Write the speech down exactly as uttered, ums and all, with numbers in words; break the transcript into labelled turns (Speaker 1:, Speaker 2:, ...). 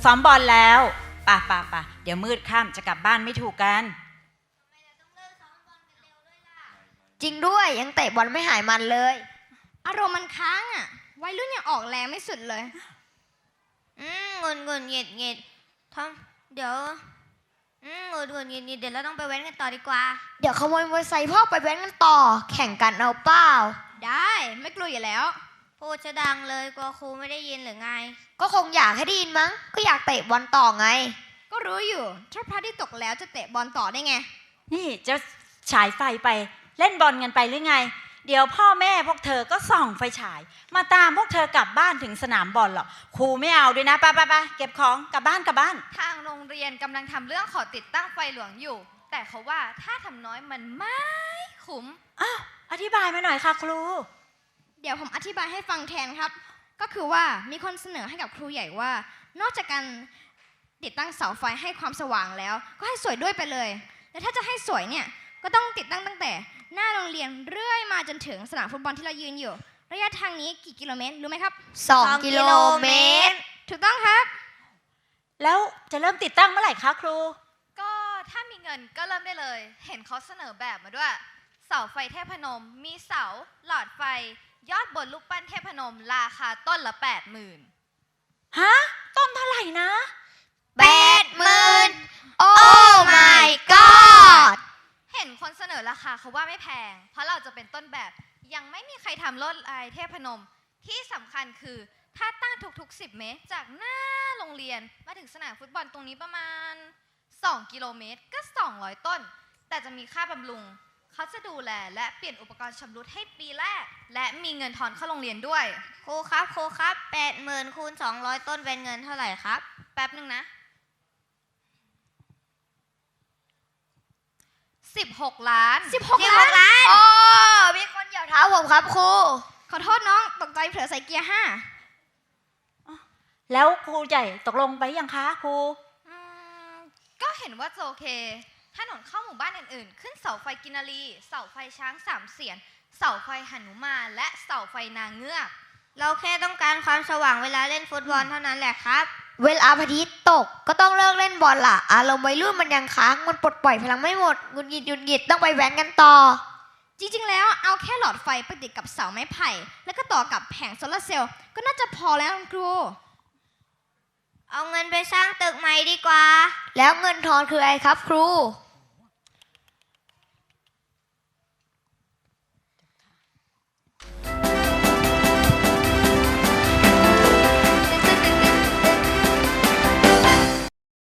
Speaker 1: ซ้อมบอลแล้วป่ะป่ะป่ะเดี๋ยวมืดค่ำจะกลับบ้านไม่ถูกกัน
Speaker 2: จริงด้วยยังเตะบอลไม่หายมันเลย
Speaker 3: อารมณ์มันค้างอ่ะวัยรุ่นยังออกแรงไม่สุดเลย
Speaker 2: อืมงุนงุนหงิดหงิดทอมเดี๋ยวอืมงุนงุนหงิดหงิดเดี๋ยวเราต้องไปแว้นกันต่อดีกว่าเดี๋ยวขโมยมอเตอร์ไซค์พ่อไปแว้นกันต่อแข่งกันเอาเปล่า
Speaker 3: ได้ไม่กลัวอยู่แล้ว
Speaker 2: พูดจะดังเลยกลัวครูไม่ได้ยินหรือไงก็คงอยากให้ได้ยินมั้งก็อยากเตะบอลต่อไง
Speaker 3: ก็รู้อยู่ถ้าพระอาทิตย์ตกแล้วจะเตะบอลต่อได้ไง
Speaker 1: นี่จะฉายไฟไปเล่นบอลกันไปหรือไงเดี๋ยวพ่อแม่พวกเธอก็ส่องไฟฉายมาตามพวกเธอกลับบ้านถึงสนามบอลหรอกครูไม่เอาด้วยนะไปไปไปเก็บของกลับบ้านกลับบ้าน
Speaker 4: ทางโรงเรียนกำลังทำเรื่องขอติดตั้งไฟหลวงอยู่แต่เขาว่าถ้าทำน้อยมันไม่คุ้ม
Speaker 1: อ้าวอธิบายมาหน่อยค่ะครู
Speaker 3: เดี๋ยวผมอธิบายให้ฟังแทนครับก็คือว่ามีคนเสนอให้กับครูใหญ่ว่านอกจากการติดตั้งเสาไฟให้ความสว่างแล้วก็ให้สวยด้วยไปเลยและถ้าจะให้สวยเนี่ยก็ต้องติดตั้งตั้งแต่หน้าโรงเรียนเรื่อยมาจนถึงสนามฟุตบอลที่เรายืนอยู่ระยะทางนี้กี่กิโลเมตรรู้ไหมครับ
Speaker 2: สองกิโลเมตร
Speaker 3: ถูกต้องครับ
Speaker 1: แล้วจะเริ่มติดตั้งเมื่อไหร่คะครู
Speaker 4: ก็ถ้ามีเงินก็เริ่มได้เลยเห็นเขาเสนอแบบมาด้วยเสาไฟเทพนมมีเสาหลอดไฟยอดบนลูกปั้นเทพนมราคาต้นละแปดหมื่น
Speaker 1: ฮะต้นเท่าไหร่นะ
Speaker 2: แปดหมื่นโอ้ my god
Speaker 4: เห็นคนเสนอราคาเขาว่าไม่แพงเพราะเราจะเป็นต้นแบบยังไม่มีใครทำลวดลายเทพนมที่สำคัญคือถ้าตั้งทุกๆสิบเมตรจากหน้าโรงเรียนมาถึงสนามฟุตบอลตรงนี้ประมาณสองกิโลเมตรก็สองร้อยต้นแต่จะมีค่าบำรุงเขาจะดูแลและเปลี่ยนอุปกรณ์ชำรุดให้ปีแรกและมีเงินทอนเข้าโรงเรียนด้วย
Speaker 2: ครูครับครูครับแปดหมื่นคูณสองร้อยต้นเป็นเงินเท่าไหร่ครับ
Speaker 4: แป๊บนึงนะสิบหกล้าน
Speaker 3: สิบหกล้าน
Speaker 2: โอ้มีคนเหยียบเท้าผมครับครู
Speaker 3: ขอโทษน้องตกใจเผลอใส่เกียร์ห้า
Speaker 1: แล้วครูใหญ่ตกลงไปยังคะครู
Speaker 4: ก็เห็นว่าจะโอเคถนนเข้าหมู่บ้านอื่นๆขึ้นเสาไฟกินรีเสาไฟช้างสามเสียนเสาไฟหนุมานและเสาไฟนางเงือก
Speaker 2: เราแค่ต้องการความสว่างเวลาเล่นฟุตบอลเท่านั้นแหละครับเวลาพระอาทิตย์ตกก็ต้องเลิกเล่นบอลล่ะอารมณ์วัยรุ่นมันยังค้างมันปลดปล่อยพลังไม่หมดงุนหงิดหยุดหงิดต้องไปแว้นกันต่อ
Speaker 3: จริงๆแล้วเอาแค่หลอดไฟไปติดกับเสาไม้ไผ่แล้วก็ต่อกับแผงโซลาร์เซลล์ก็น่าจะพอแล้วครู
Speaker 2: เอาเงินไปสร้างตึกใหม่ดีกว่าแล้วเงินทอนคืออะไรครับครู